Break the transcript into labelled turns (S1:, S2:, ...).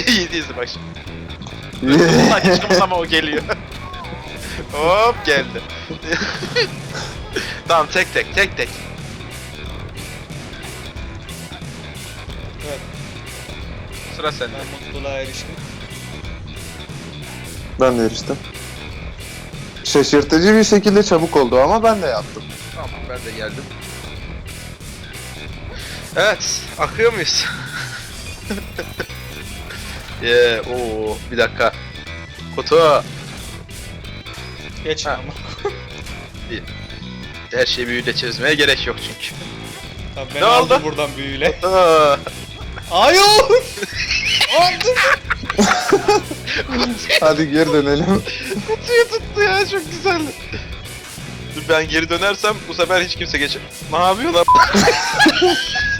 S1: İyi değilsin bak şimdi. Saçım ama o geliyor. Hop geldi. Tamam tek tek.
S2: Evet,
S1: Sıra sende.
S2: ben mutluluğa eriştim.
S3: Ben de eriştim. Şaşırtıcı bir şekilde çabuk oldu ama ben de yaptım.
S1: Tamam ben de geldim. Evet, akıyor muyuz? Oo, bir dakika. Kutu.
S2: Geç
S1: Ha.
S2: ama.
S1: Her şeyi büyüyle çözmeye gerek yok çünkü.
S2: Tabii ben
S1: Ne
S2: aldım
S1: oldu?
S2: buradan büyüyle.
S1: Aa,
S2: Hayır! Aldım!
S3: Hadi geri dönelim.
S1: kutuyu tuttu ya, çok güzeldi. Dur ben geri dönersem bu sefer hiç kimse geçer. Ne yapıyorsun lan?